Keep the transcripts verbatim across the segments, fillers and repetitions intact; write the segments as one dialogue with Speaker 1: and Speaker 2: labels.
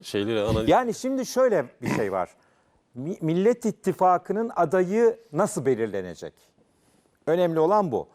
Speaker 1: şeyleri analiz.
Speaker 2: Yani şimdi şöyle bir şey var. Mi- Millet İttifakı'nın adayı nasıl belirlenecek? Önemli olan bu.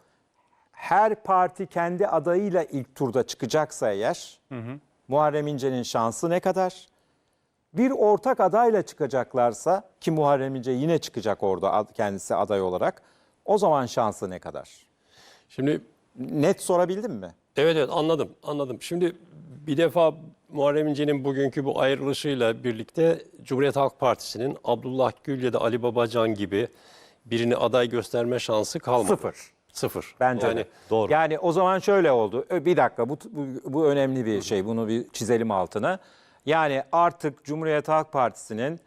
Speaker 2: Her parti kendi adayıyla ilk turda çıkacaksa eğer, hı hı. Muharrem İnce'nin şansı ne kadar? Bir ortak adayla çıkacaklarsa, ki Muharrem İnce yine çıkacak orada kendisi aday olarak, o zaman şansı ne kadar?
Speaker 1: Şimdi
Speaker 2: Net sorabildim mi?
Speaker 1: evet evet anladım anladım. Şimdi bir defa Muharrem İnce'nin bugünkü bu ayrılışıyla birlikte Cumhuriyet Halk Partisi'nin Abdullah Gül ya da Ali Babacan gibi birini aday gösterme şansı kalmadı.
Speaker 2: Sıfır.
Speaker 1: Sıfır.
Speaker 2: Bence
Speaker 1: yani,
Speaker 2: de.
Speaker 1: Doğru.
Speaker 2: Yani o zaman şöyle oldu. Ö, Bir dakika bu, bu, bu önemli bir şey. Bunu bir çizelim altına. Yani artık Cumhuriyet Halk Partisi'nin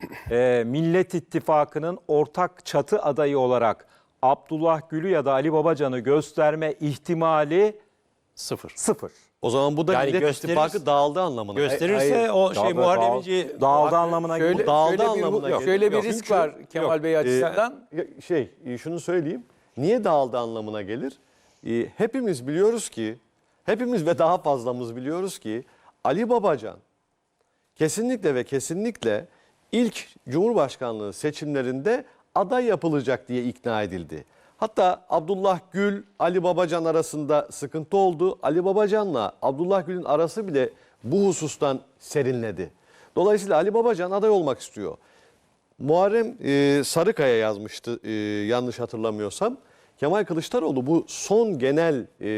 Speaker 2: e, Millet İttifakı'nın ortak çatı adayı olarak Abdullah Gül'ü ya da Ali Babacan'ı gösterme ihtimali
Speaker 1: Sıfır.
Speaker 2: sıfır.
Speaker 3: O zaman bu da
Speaker 1: Yani
Speaker 3: Millet
Speaker 1: gösterir-
Speaker 3: İttifakı dağıldı anlamına.
Speaker 1: Gösterirse
Speaker 3: Hayır.
Speaker 1: o şey
Speaker 2: Dağıldı-
Speaker 1: Muharrem
Speaker 2: dağıldı-
Speaker 1: İnce
Speaker 2: Dağıldı anlamına
Speaker 4: Şöyle,
Speaker 2: geliyor.
Speaker 3: dağıldı
Speaker 4: şöyle
Speaker 3: anlamına
Speaker 4: bir,
Speaker 3: geliyor.
Speaker 4: şöyle bir
Speaker 1: Yok,
Speaker 4: risk
Speaker 1: çünkü-
Speaker 4: var Kemal
Speaker 1: yok.
Speaker 4: Bey açısından.
Speaker 3: Ee, şey, şunu söyleyeyim. Niye dağıldı anlamına gelir? Ee, hepimiz biliyoruz ki, hepimiz ve daha fazlamız biliyoruz ki Ali Babacan kesinlikle ve kesinlikle ilk Cumhurbaşkanlığı seçimlerinde aday yapılacak diye ikna edildi. Hatta Abdullah Gül, Ali Babacan arasında sıkıntı oldu. Ali Babacan'la Abdullah Gül'ün arası bile bu husustan serinledi. Dolayısıyla Ali Babacan aday olmak istiyor. Muharrem e, Sarıkaya yazmıştı e, yanlış hatırlamıyorsam. Kemal Kılıçdaroğlu bu son genel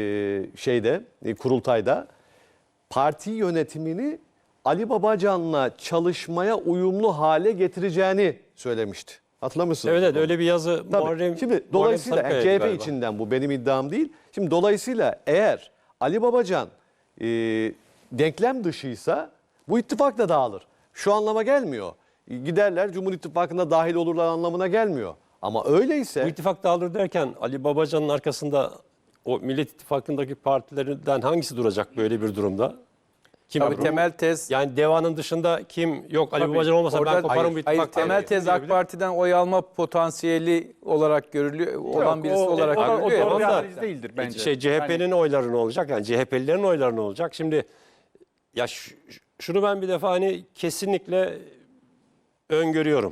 Speaker 3: e, şeyde e, kurultayda parti yönetimini Ali Babacan'la çalışmaya uyumlu hale getireceğini söylemişti. Hatırlamışsınız.
Speaker 1: Evet evet öyle bir yazı
Speaker 3: Tabii.
Speaker 1: Muharrem
Speaker 3: Şimdi
Speaker 1: Muharrem
Speaker 3: dolayısıyla yani
Speaker 1: Sarıkaya'ydı
Speaker 3: C H P
Speaker 1: galiba.
Speaker 3: içinden bu benim iddiam değil. Şimdi dolayısıyla eğer Ali Babacan e, denklem dışıysa bu ittifak da dağılır. Şu anlama gelmiyor. Giderler Cumhur İttifakı'na dahil olurlar anlamına gelmiyor. Ama öyleyse
Speaker 1: Bu ittifak dağılır derken Ali Babacan'ın arkasında o Millet İttifakı'ndaki partilerden hangisi duracak böyle bir durumda? Kim
Speaker 4: Tabii temel tez
Speaker 1: yani Deva'nın dışında kim yok Ali
Speaker 4: Tabii,
Speaker 1: Babacan olmasa
Speaker 4: orada-
Speaker 1: ben koparım
Speaker 4: hayır,
Speaker 1: bu ittifak.
Speaker 4: hayır, temel
Speaker 1: diye
Speaker 4: tez AK
Speaker 1: diyebilir.
Speaker 4: Parti'den oy alma potansiyeli olarak görülüyor olan
Speaker 1: Yok,
Speaker 4: birisi
Speaker 1: o-
Speaker 4: olarak
Speaker 1: o- o-
Speaker 4: görülüyor.
Speaker 1: o-
Speaker 4: ya.
Speaker 1: tamam da-
Speaker 5: analiz değildir bence.
Speaker 1: Şey C H P'nin oyları ne olacak? Yani C H P'lilerin oyları ne olacak? Şimdi ya ş- şunu ben bir defa hani kesinlikle öngörüyorum.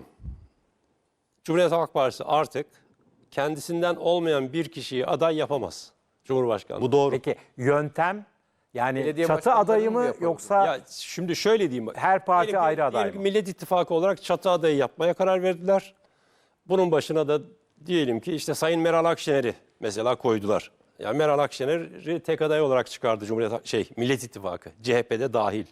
Speaker 1: Cumhuriyet Halk Partisi artık kendisinden olmayan bir kişiyi aday yapamaz. Cumhurbaşkanı.
Speaker 3: bu doğru.
Speaker 2: Peki yöntem yani
Speaker 4: Belediye
Speaker 2: çatı
Speaker 4: başkanlarını
Speaker 2: adayı
Speaker 4: mı
Speaker 2: mı
Speaker 4: yapalım?
Speaker 2: yoksa
Speaker 1: Ya şimdi şöyle diyeyim.
Speaker 2: her parti
Speaker 1: Diyelim ki-
Speaker 2: ayrı aday
Speaker 1: diyelim ki
Speaker 2: mı?
Speaker 1: Millet İttifakı olarak çatı adayı yapmaya karar verdiler. Bunun başına da diyelim ki işte Sayın Meral Akşener'i mesela koydular. Yani Meral Akşener'i tek aday olarak çıkardı Cumhuriyet şey Millet İttifakı. C H P'de dahil.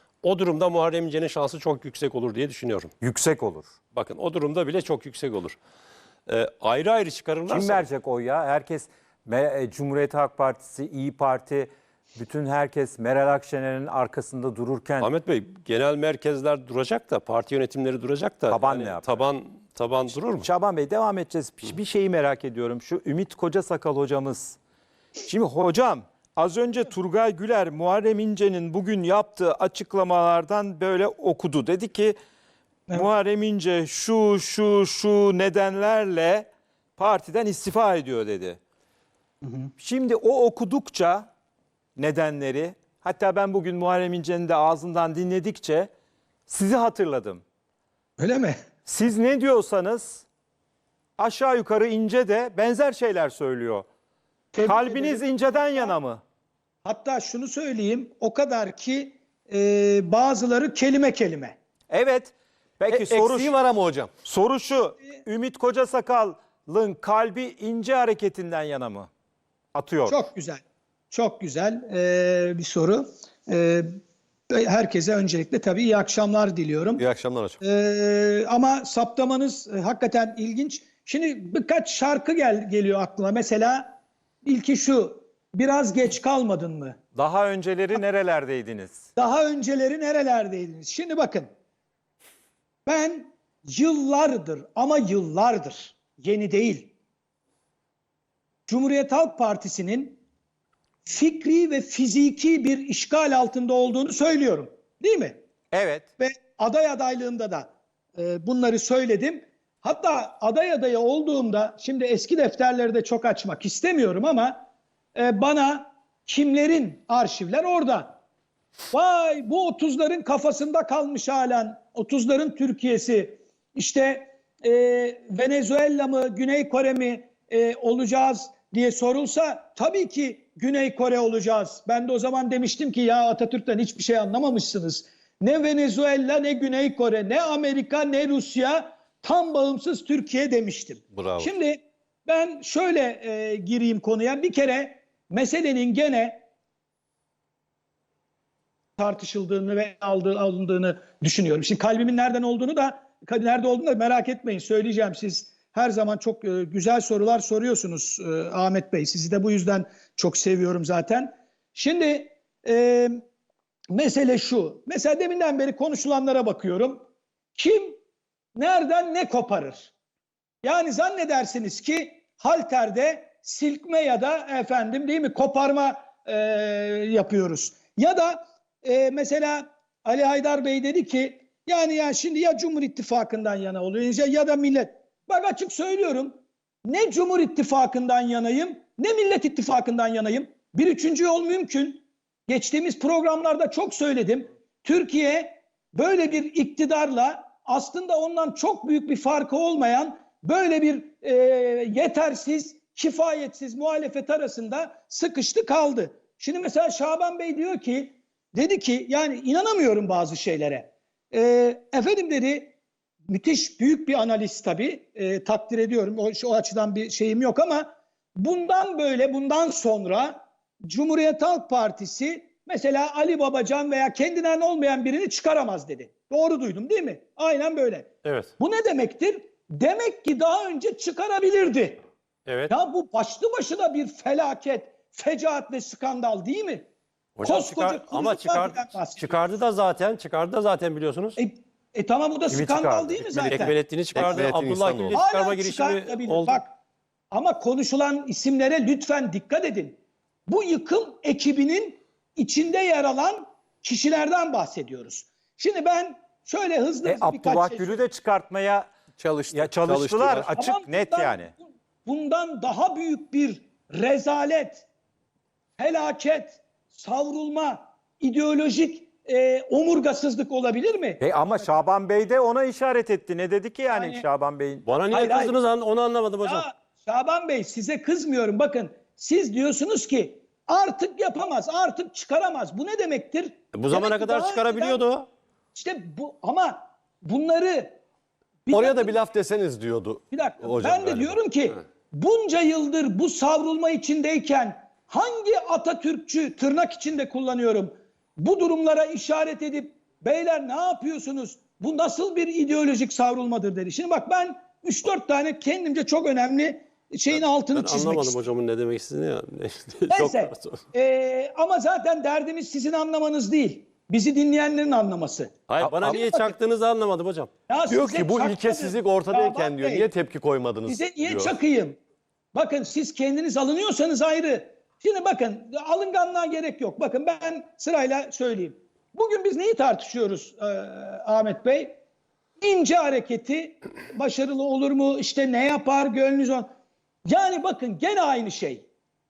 Speaker 1: O durumda Muharrem İnce'nin şansı çok yüksek olur diye düşünüyorum.
Speaker 2: Yüksek olur.
Speaker 1: Bakın o durumda bile çok yüksek olur. Ee, ayrı ayrı çıkarırlarsa...
Speaker 2: Kim verecek oy ya? Herkes Me- e, Cumhuriyet Halk Partisi, İyi Parti, bütün herkes Meral Akşener'in arkasında dururken
Speaker 1: Ahmet Bey, genel merkezler duracak da, parti yönetimleri duracak da...
Speaker 2: Taban ne yapar?
Speaker 1: Taban, taban durur mu?
Speaker 2: Şaban Bey devam edeceğiz. Bir- Bir şeyi merak ediyorum. Şu Ümit Kocasakal hocamız. Şimdi hocam az önce Turgay Güler Muharrem İnce'nin bugün yaptığı açıklamalardan böyle okudu. Dedi ki Muharrem İnce şu şu şu nedenlerle partiden istifa ediyor dedi. Şimdi o okudukça nedenleri, hatta ben bugün Muharrem İnce'nin de ağzından dinledikçe sizi hatırladım.
Speaker 5: Öyle mi?
Speaker 2: Siz ne diyorsanız aşağı yukarı İnce de benzer şeyler söylüyor.
Speaker 5: Tebrik
Speaker 2: Kalbiniz
Speaker 5: ederim.
Speaker 2: İnce'den yana mı?
Speaker 5: Hatta şunu söyleyeyim, o kadar ki e, bazıları kelime kelime.
Speaker 2: Evet. Peki
Speaker 3: E,
Speaker 2: soru,
Speaker 3: eksiği var ama hocam.
Speaker 2: soru şu. Ümit Kocasakal'ın kalbi İnce hareketinden yana mı? Atıyor.
Speaker 5: Çok güzel, çok güzel e, bir soru. E, herkese öncelikle tabii iyi akşamlar diliyorum.
Speaker 3: İyi akşamlar hocam.
Speaker 5: E, ama saptamanız e, hakikaten ilginç. Şimdi birkaç şarkı gel, geliyor aklıma. Mesela ilki şu, biraz geç kalmadın mı?
Speaker 2: Daha önceleri nerelerdeydiniz?
Speaker 5: Daha önceleri nerelerdeydiniz? Şimdi bakın. Ben yıllardır ama yıllardır, yeni değil, Cumhuriyet Halk Partisi'nin fikri ve fiziki bir işgal altında olduğunu söylüyorum. Değil mi?
Speaker 2: Evet.
Speaker 5: Ve aday adaylığımda da e, bunları söyledim. Hatta aday adayı olduğumda, şimdi eski defterleri de çok açmak istemiyorum ama e, bana kimlerin arşivler orada. Vay bu otuzların kafasında kalmış halen. otuzların Türkiye'si. İşte e, Venezuela mı, Güney Kore mi e, olacağız diye sorulsa tabii ki Güney Kore olacağız. Ben de o zaman demiştim ki ya Atatürk'ten hiçbir şey anlamamışsınız. Ne Venezuela, ne Güney Kore, ne Amerika, ne Rusya, tam bağımsız Türkiye demiştim.
Speaker 3: Bravo.
Speaker 5: Şimdi ben şöyle e, gireyim konuya. Bir kere meselenin gene tartışıldığını ve aldığı, alındığını düşünüyorum. Şimdi kalbimin nereden olduğunu da nerede olduğunu da merak etmeyin, söyleyeceğim. Siz her zaman çok e, güzel sorular soruyorsunuz e, Ahmet Bey. Sizi de bu yüzden çok seviyorum zaten. Şimdi e, mesele şu. Mesela deminden beri konuşulanlara bakıyorum. Kim nereden ne koparır? Yani zannedersiniz ki halterde silkme ya da efendim değil mi koparma e, yapıyoruz. Ya da e, mesela Ali Haydar Bey dedi ki yani ya şimdi ya Cumhur İttifakı'ndan yana oluyor ya, ya da millet. Bak açık söylüyorum, ne Cumhur İttifakı'ndan yanayım ne Millet İttifakı'ndan yanayım. Bir üçüncü yol mümkün. Geçtiğimiz programlarda çok söyledim. Türkiye böyle bir iktidarla aslında ondan çok büyük bir farkı olmayan böyle bir e, yetersiz, kifayetsiz muhalefet arasında sıkıştı kaldı. Şimdi mesela Şaban Bey diyor ki, dedi ki yani inanamıyorum bazı şeylere. E, efendim dedi, müthiş büyük bir analiz tabii, e, takdir ediyorum. O, o açıdan bir şeyim yok ama bundan böyle bundan sonra Cumhuriyet Halk Partisi mesela Ali Babacan veya kendinden olmayan birini çıkaramaz dedi. Doğru duydum değil mi? Aynen böyle.
Speaker 1: Evet.
Speaker 5: Bu ne demektir? Demek ki daha önce çıkarabilirdi.
Speaker 1: Evet.
Speaker 5: Ya bu başlı başına bir felaket, fecaat ve skandal değil mi?
Speaker 1: Hocam
Speaker 5: Koskoca
Speaker 1: çıkar, ama
Speaker 5: kurucu
Speaker 1: çıkar,
Speaker 5: partiden bahsediyoruz.
Speaker 1: çıkardı da zaten, çıkardı da zaten biliyorsunuz.
Speaker 5: E, e tamam, bu da
Speaker 2: Kimi
Speaker 5: skandal
Speaker 2: çıkardı?
Speaker 5: değil mi zaten?
Speaker 1: Ekmelettin'i çıkardı,
Speaker 3: Ekmelettin
Speaker 1: Abdullah
Speaker 3: İhsanoğlu.
Speaker 1: Gül'ü çıkarma
Speaker 5: Hala
Speaker 1: girişimi
Speaker 5: çıkartabilir.
Speaker 1: oldu.
Speaker 5: Bak, ama konuşulan isimlere lütfen dikkat edin. Bu yıkım ekibinin içinde yer alan kişilerden bahsediyoruz. Şimdi ben şöyle hızlı
Speaker 2: E,
Speaker 5: hızlı birkaç
Speaker 2: Abdullah
Speaker 5: şey
Speaker 2: Gül'ü de çıkartmaya
Speaker 4: Çalıştı.
Speaker 2: ya çalıştılar.
Speaker 4: Çalıştılar.
Speaker 2: Açık
Speaker 5: Ama
Speaker 2: net
Speaker 5: bundan-
Speaker 2: yani.
Speaker 5: Bundan daha büyük bir rezalet, felaket, savrulma, ideolojik e, omurgasızlık olabilir mi?
Speaker 2: E, ama Şaban Bey de ona işaret etti. Ne dedi ki yani,
Speaker 5: Yani-
Speaker 2: Şaban Bey'in?
Speaker 1: Bana niye
Speaker 5: Hayır,
Speaker 1: kızdınız an- onu anlamadım hocam.
Speaker 5: Ya Şaban Bey, size kızmıyorum. Bakın, siz diyorsunuz ki artık yapamaz, artık çıkaramaz. Bu ne demektir?
Speaker 1: Bu zamana
Speaker 5: Demek ki
Speaker 1: kadar
Speaker 5: daha
Speaker 1: çıkarabiliyordu
Speaker 5: önceden-
Speaker 1: o.
Speaker 5: İşte bu, ama bunları bir
Speaker 3: Oraya
Speaker 5: dakika,
Speaker 3: da bir laf deseniz diyordu.
Speaker 5: bir dakika.
Speaker 3: hocam
Speaker 5: ben de
Speaker 3: galiba.
Speaker 5: diyorum ki bunca yıldır bu savrulma içindeyken hangi Atatürkçü, tırnak içinde kullanıyorum, bu durumlara işaret edip beyler ne yapıyorsunuz? Bu nasıl bir ideolojik savrulmadır dedi. Şimdi bak, ben üç dört tane kendimce çok önemli şeyin altını
Speaker 1: Ben
Speaker 5: çizmek
Speaker 1: anlamadım
Speaker 5: istiyorum.
Speaker 1: hocamın ne demek istediğini ya.
Speaker 5: Neyse. Ee, ama zaten derdimiz sizin anlamanız değil. Bizi dinleyenlerin anlaması.
Speaker 1: Hayır, bana
Speaker 2: Ama-
Speaker 1: niye çaktığınızı anlamadım hocam.
Speaker 5: Ya
Speaker 3: Diyor
Speaker 5: size
Speaker 3: ki bu
Speaker 5: çakmadım.
Speaker 3: ilkesizlik ortadayken
Speaker 5: Şaban
Speaker 3: diyor
Speaker 5: Bey,
Speaker 3: niye tepki koymadınız
Speaker 5: size niye
Speaker 3: diyor.
Speaker 5: çakayım? Bakın, siz kendiniz alınıyorsanız ayrı. Şimdi bakın, alınganlığa gerek yok. Bakın, ben sırayla söyleyeyim. Bugün biz neyi tartışıyoruz e, Ahmet Bey? İnce hareketi başarılı olur mu? İşte ne yapar? Gönlünüz on. Yani bakın, gene aynı şey.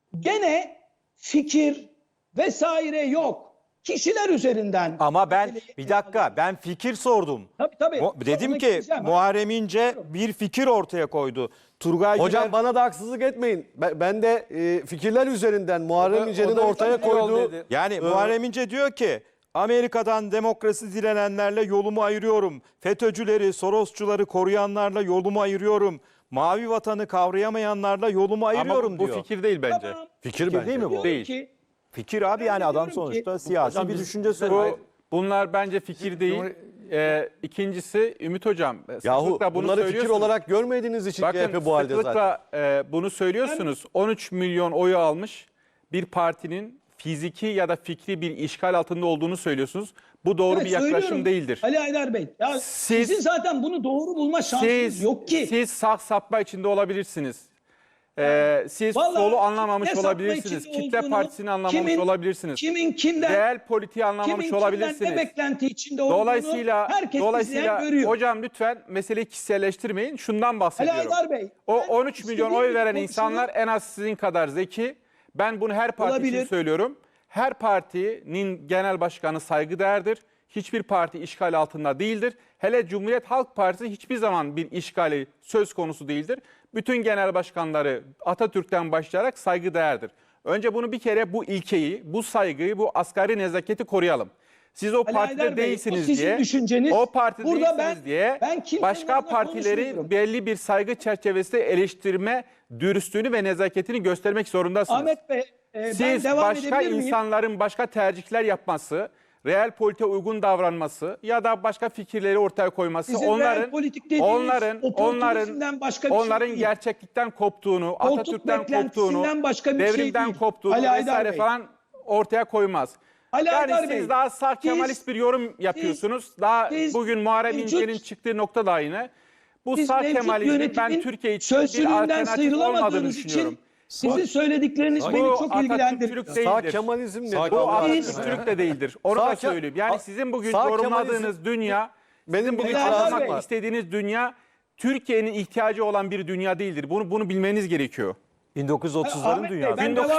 Speaker 5: Gene fikir vesaire yok. Kişiler üzerinden.
Speaker 2: Ama ben
Speaker 5: meseleyi-
Speaker 2: bir dakika, ben fikir sordum.
Speaker 5: Tabii tabii.
Speaker 2: Mu- Dedim
Speaker 5: Ona
Speaker 2: ki
Speaker 5: gireceğim.
Speaker 2: Muharrem İnce bir fikir ortaya koydu. Turgay
Speaker 3: Hocam
Speaker 2: Güler-
Speaker 3: bana da haksızlık etmeyin. Ben, ben de e, fikirler üzerinden Muharrem
Speaker 4: O da-
Speaker 3: İnce'nin
Speaker 4: o da
Speaker 3: ortaya
Speaker 4: fikir yol
Speaker 3: koyduğu
Speaker 4: dedi.
Speaker 2: Yani
Speaker 3: Ee,
Speaker 2: Muharrem İnce diyor ki Amerika'dan demokrasi dilenenlerle yolumu ayırıyorum. FETÖ'cüleri, Sorosçuları koruyanlarla yolumu ayırıyorum. Mavi vatanı kavrayamayanlarla yolumu ayırıyorum
Speaker 6: Ama bu, bu
Speaker 2: diyor.
Speaker 6: fikir değil bence.
Speaker 5: Tamam.
Speaker 3: fikir,
Speaker 2: Fikir
Speaker 3: bence.
Speaker 2: değil mi bu?
Speaker 5: Diyorum
Speaker 6: Değil.
Speaker 5: ki,
Speaker 2: Fikir abi,
Speaker 5: Ben
Speaker 2: yani
Speaker 5: de
Speaker 2: adam
Speaker 5: diyorum
Speaker 2: sonuçta
Speaker 5: ki-
Speaker 2: siyasi
Speaker 1: Hocam
Speaker 2: bir
Speaker 1: biz-
Speaker 2: düşünce
Speaker 6: Bu,
Speaker 2: söylüyor.
Speaker 6: bunlar bence fikir değil. Ee, ikincisi Ümit Hocam,
Speaker 3: Yahu
Speaker 6: sıklıkla bunu
Speaker 3: bunları fikir
Speaker 6: söylüyorsunuz.
Speaker 3: olarak görmediğiniz için C H P
Speaker 6: Bakın
Speaker 3: bu halde zaten.
Speaker 6: sıklıkla e, bunu söylüyorsunuz. on üç milyon oyu almış bir partinin fiziki ya da fikri bir işgal altında olduğunu söylüyorsunuz. Bu doğru
Speaker 5: evet,
Speaker 6: bir yaklaşım
Speaker 5: söylüyorum.
Speaker 6: değildir.
Speaker 5: Ali Haydar Bey. Ya
Speaker 6: Siz-
Speaker 5: sizin zaten bunu doğru bulma şansınız
Speaker 6: Siz,
Speaker 5: yok ki.
Speaker 6: siz sağ sapma içinde olabilirsiniz. Ee, siz
Speaker 5: Vallahi
Speaker 6: solu anlamamış
Speaker 5: ne sapma
Speaker 6: olabilirsiniz.
Speaker 5: içinde
Speaker 6: Kitle
Speaker 5: olduğunu,
Speaker 6: partisini anlamamış
Speaker 5: kimin-
Speaker 6: olabilirsiniz.
Speaker 5: Kimin kimden,
Speaker 6: Reel politiği anlamamış
Speaker 5: kimin kimden
Speaker 6: olabilirsiniz.
Speaker 5: ne beklenti içinde olduğunu
Speaker 6: Dolayısıyla
Speaker 5: herkes
Speaker 6: dolayısıyla
Speaker 5: izleyen görüyor.
Speaker 6: hocam lütfen meseleyi kişiselleştirmeyin. Şundan
Speaker 5: Ali
Speaker 6: bahsediyorum.
Speaker 5: Haydar Bey.
Speaker 6: O
Speaker 5: ben
Speaker 6: on üç milyon
Speaker 5: istediğim
Speaker 6: oy
Speaker 5: gibi
Speaker 6: veren
Speaker 5: konuşurum.
Speaker 6: insanlar en az sizin kadar zeki. Ben bunu her parti
Speaker 5: Olabilir.
Speaker 6: için söylüyorum. Her partinin genel başkanı saygıdeğerdir. Hiçbir parti işgal altında değildir. Hele Cumhuriyet Halk Partisi hiçbir zaman bir işgali söz konusu değildir. Bütün genel başkanları Atatürk'ten başlayarak saygıdeğerdir. Önce bunu bir kere bu ilkeyi, bu saygıyı, bu asgari nezaketi koruyalım. Siz o
Speaker 5: Ali
Speaker 6: partide
Speaker 5: Haydar Bey,
Speaker 6: değilsiniz
Speaker 5: o sizin
Speaker 6: diye,
Speaker 5: düşünceniz.
Speaker 6: o partide
Speaker 5: Burada
Speaker 6: değilsiniz
Speaker 5: ben-
Speaker 6: diye
Speaker 5: ben kimsenin
Speaker 6: başka
Speaker 5: adına
Speaker 6: partileri
Speaker 5: konuşmuyorum.
Speaker 6: belli bir saygı çerçevesinde eleştirme, dürüstlüğünü ve nezaketini göstermek zorundasınız.
Speaker 5: Ahmet Bey, e, ben
Speaker 6: Siz
Speaker 5: devam
Speaker 6: başka
Speaker 5: edebilir miyim?
Speaker 6: insanların başka tercihler yapması, real politiğe uygun davranması ya da başka fikirleri ortaya koyması
Speaker 5: Sizin real
Speaker 6: onların
Speaker 5: politik dediğiniz
Speaker 6: onların
Speaker 5: oportunizmden
Speaker 6: onların
Speaker 5: başka bir şey
Speaker 6: onların
Speaker 5: değil.
Speaker 6: gerçeklikten koptuğunu,
Speaker 5: Koltuk
Speaker 6: Atatürk'ten
Speaker 5: beklentisinden
Speaker 6: koptuğunu,
Speaker 5: başka bir şey
Speaker 6: devrimden
Speaker 5: değil.
Speaker 6: koptuğunu
Speaker 5: Ali Haydar
Speaker 6: vesaire
Speaker 5: Bey.
Speaker 6: falan ortaya koymaz.
Speaker 5: Ali
Speaker 6: yani
Speaker 5: Haydar
Speaker 6: siz
Speaker 5: Bey,
Speaker 6: daha sağ
Speaker 5: siz-
Speaker 6: Kemalist bir yorum yapıyorsunuz. daha
Speaker 5: siz
Speaker 6: bugün Muharrem
Speaker 5: mevcut-
Speaker 6: İnce'nin çıktığı nokta da aynı. Bu
Speaker 5: Siz
Speaker 6: sağ
Speaker 5: mevcut
Speaker 6: Kemalizmin ben
Speaker 5: yönetimin
Speaker 6: Türkiye için bir
Speaker 5: sözcülüğünden
Speaker 6: alternatif olmadığını
Speaker 5: sıyrılamadığınız
Speaker 6: düşünüyorum.
Speaker 5: için sizin söyledikleriniz
Speaker 1: Bu
Speaker 5: beni çok ilgilendiriyor.
Speaker 6: Atatürkçülük
Speaker 3: Sağ
Speaker 6: değildir.
Speaker 3: Kemalizm ne?
Speaker 1: Sağ
Speaker 6: Bu
Speaker 1: Allah aşkına
Speaker 6: Atatürkçülük de değildir. Onu
Speaker 3: Sağ
Speaker 6: da
Speaker 3: Ke-
Speaker 6: söyleyeyim. Yani
Speaker 3: A-
Speaker 6: sizin bugün
Speaker 3: sağ
Speaker 6: yorumladığınız
Speaker 3: Kemalizm-
Speaker 6: dünya,
Speaker 3: Benim
Speaker 6: sizin
Speaker 3: bir
Speaker 6: bugün
Speaker 5: itirazım
Speaker 6: anlamak
Speaker 3: var.
Speaker 6: istediğiniz dünya Türkiye'nin ihtiyacı olan bir dünya değildir. Bunu bunu bilmeniz gerekiyor.
Speaker 2: bin dokuz yüz otuzların
Speaker 5: Ahmet Bey,
Speaker 2: dünyası.
Speaker 5: ben
Speaker 6: bin dokuz yüz